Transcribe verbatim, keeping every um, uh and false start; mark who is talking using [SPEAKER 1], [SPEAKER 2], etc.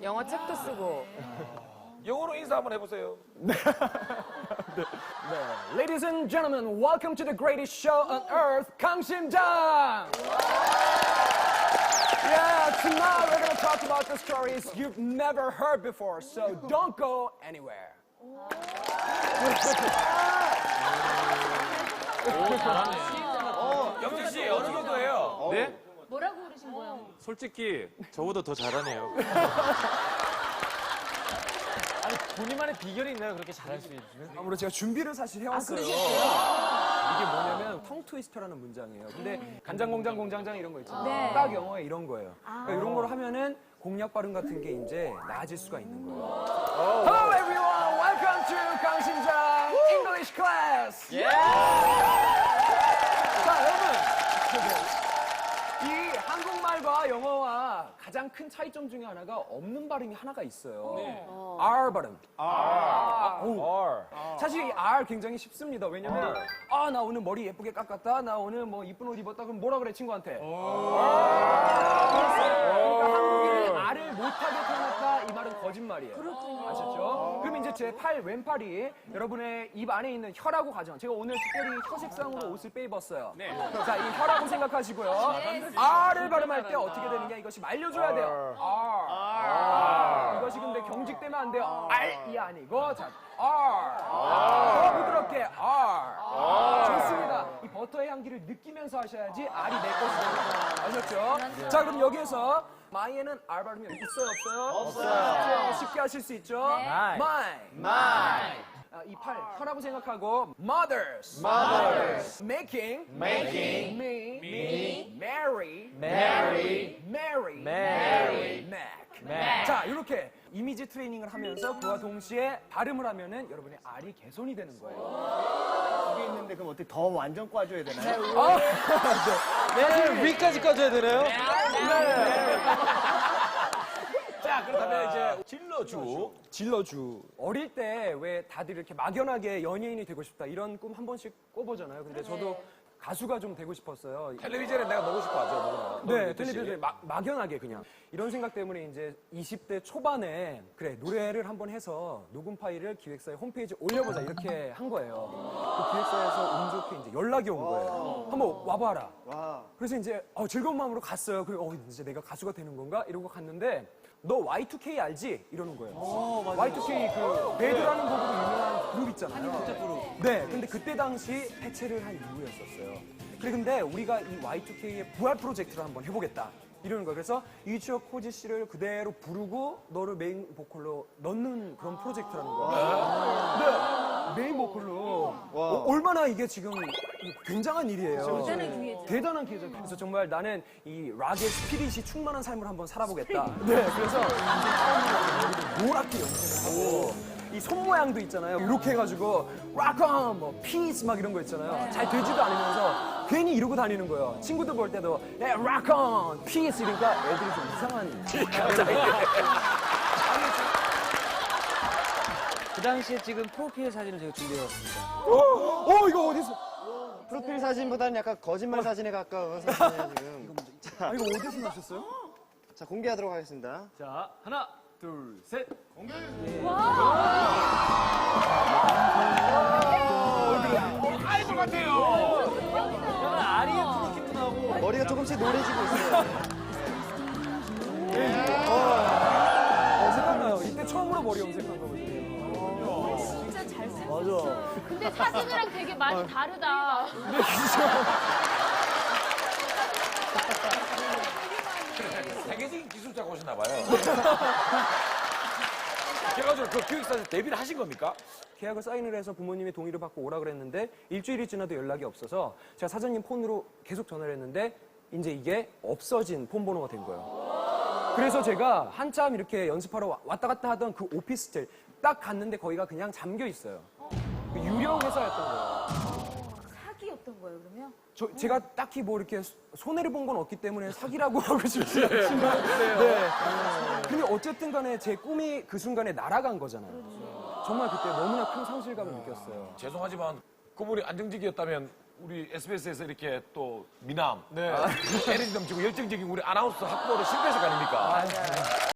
[SPEAKER 1] 영어 책도 쓰고.
[SPEAKER 2] 영어로 인사 한번 해보세요.
[SPEAKER 3] Ladies and gentlemen, welcome to the greatest show on earth, 강심장! Yeah, tonight we're gonna talk about the stories you've never heard before, so don't go anywhere.
[SPEAKER 2] 영진 씨 어느 정도예요?
[SPEAKER 4] 네?
[SPEAKER 5] 뭐라고 그러신 거예요?
[SPEAKER 4] 솔직히 저보다 더 잘하네요.
[SPEAKER 3] 아니, 본인만의 비결이 있나요? 그렇게 잘할 수 있는? 아무래도 제가 준비를 사실 해왔어요. 이게 뭐냐면 텅 트위스터라는 문장이에요. 근데 간장 공장 공장장 이런 거 있잖아요.
[SPEAKER 5] 네.
[SPEAKER 3] 딱 영어에 이런 거예요. 그러니까 이런 걸 하면은 공략 발음 같은 게 이제 나아질 수가 있는 거예요. Hello everyone, welcome to 강심장 English class. 자, 여러분. 이 한국말과 영어와 가장 큰 차이점 중에 하나가 없는 발음이 하나가 있어요. R 발음. R. 오. 사실 이 R 굉장히 쉽습니다. 왜냐면 아, 나 오늘 머리 예쁘게 깎았다. 나 오늘 뭐 이쁜 옷 입었다. 그럼 뭐라 그래 친구한테? 그러니까 한국인이 R을 못하게 태어났다. 이 말은 거짓말이에요. 아셨죠? 그럼 이제 제 팔 왼팔이 여러분의 입 안에 있는 혀라고 가정. 제가 오늘 특별히 혀 색상으로 옷을 빼입었어요. 자, 이 혀라고 생각하시고요. R을 발음할 때 어떻게 되느냐 이것이 말려줘야 돼요. R. R. 이것이 근데 경직되면 안 돼요. R이 아니고 자, R. 더 부드럽게 R. 좋습니다. 이 버터의 향기를 느끼면서 하셔야지 R이 내 것이 됩니다. 아셨죠? 자, 그럼 여기에서 my에는 R 발음이 있어요, 없어요? 없어요. 쉽게 하실 수 있죠? my. my. 아, 이 팔, 혀라고 생각하고 mothers, mothers, making, making, me, me, marry, marry, marry, marry, make. make. 자, 이렇게 이미지 트레이닝을 하면서 그와 동시에 발음을 하면은 여러분의 R이 개선이 되는 거예요.
[SPEAKER 6] 여기 있는데 그럼 어떻게 더 완전 꽈줘야 되나요?
[SPEAKER 4] 네, 위까지 까줘야 되나요?
[SPEAKER 2] 자, 그렇다면 이제 질러주.
[SPEAKER 3] 질러주. 어릴 때 왜 다들 이렇게 막연하게 연예인이 되고 싶다 이런 꿈 한 번씩 꿔보잖아요. 근데 저도 가수가 좀 되고 싶었어요.
[SPEAKER 2] 텔레비전에 내가 보고 싶어 하죠, 누구나.
[SPEAKER 3] 네, 텔레비전에 막, 막연하게 그냥. 이런 생각 때문에 이제 이십 대 초반에 그래, 노래를 한번 해서 녹음 파일을 기획사의 홈페이지에 올려보자 이렇게 한 거예요. 그 기획사에서 운 좋게 이제 연락이 온 거예요. 한번 와봐라.
[SPEAKER 6] 와.
[SPEAKER 3] 그래서 이제 어, 즐거운 마음으로 갔어요. 그리고 어, 이제 내가 가수가 되는 건가? 이러고 갔는데 너 와이 투 케이 알지? 이러는 거예요. 와이 투 케이 그 배드라는 곡으로 유명한 그룹 있잖아요. 그룹. 네, 근데 그때 당시 해체를 한 이후였었어요. 그래 근데 우리가 이 와이 투 케이의 부활 프로젝트를 한번 해보겠다. 이러는 거예요. 그래서 이주혁 코지 씨를 그대로 부르고 너를 메인 보컬로 넣는 그런 프로젝트라는 거예요. 네, 메인 보컬로. 어, 얼마나 이게 지금 굉장한 일이에요.
[SPEAKER 5] 대단한 기회죠.
[SPEAKER 3] 대단한 기회죠. 그래서 정말 나는 이 락의 스피릿이 충만한 삶을 한번 살아보겠다. 네, 그래서 이제 처음으로 노랗게 염색을 하고 이 손 모양도 있잖아요. 이렇게 해가지고 락온, 뭐 피스 막 이런 거 있잖아요. 잘 되지도 않으면서 괜히 이러고 다니는 거예요. 친구들 볼 때도 네, 락온, 피스 이러니까 애들이 좀 이상한.
[SPEAKER 7] 그 당시에 지금 프로필 사진을 제가 준비해왔습니다.
[SPEAKER 3] 어, 이거 어디서?
[SPEAKER 6] 프로필 사진보다는 약간 거짓말 사진에 가까운 사진이에요, 지금.
[SPEAKER 3] 아, 이거 어디서 나셨어요?
[SPEAKER 6] 자, 공개하도록 하겠습니다.
[SPEAKER 4] 자, 하나, 둘, 셋.
[SPEAKER 2] 아이돌 같아요.
[SPEAKER 4] 약간 아리의 프로키도 나오고.
[SPEAKER 6] 머리가 조금씩 노래지고 있어요.
[SPEAKER 3] 어, 생각나요. 이때 처음으로 머리 염색한 거거든요.
[SPEAKER 5] 진짜 잘생겼어. 맞아. 근데 사진이랑 되게 많이 다르다.
[SPEAKER 2] 세계적인 기술자가 오셨나 봐요. 그래가지고 그 기획사에서 데뷔를 하신 겁니까?
[SPEAKER 3] 계약을 사인을 해서 부모님의 동의를 받고 오라 그랬는데 일주일이 지나도 연락이 없어서 제가 사장님 폰으로 계속 전화를 했는데 이제 이게 없어진 폰 번호가 된 거예요. 그래서 제가 한참 이렇게 연습하러 와- 왔다 갔다 하던 그 오피스텔 딱 갔는데 거기가 그냥 잠겨 있어요. 그 유령 회사였던 거예요.
[SPEAKER 5] 사기였던 거예요, 그러면?
[SPEAKER 3] 저, 제가 딱히 뭐 이렇게 손해를 본 건 없기 때문에 사기라고 하고 싶지 않지만 네. 근데 어쨌든 간에 제 꿈이 그 순간에 날아간 거잖아요. 정말 그때 너무나 큰 상실감을 느꼈어요.
[SPEAKER 2] 죄송하지만 그분이 안정직이었다면 우리 에스비에스에서 이렇게 또 미남, 에너지 넘치고 열정적인 우리 아나운서 학부를 실패해서 아닙니까?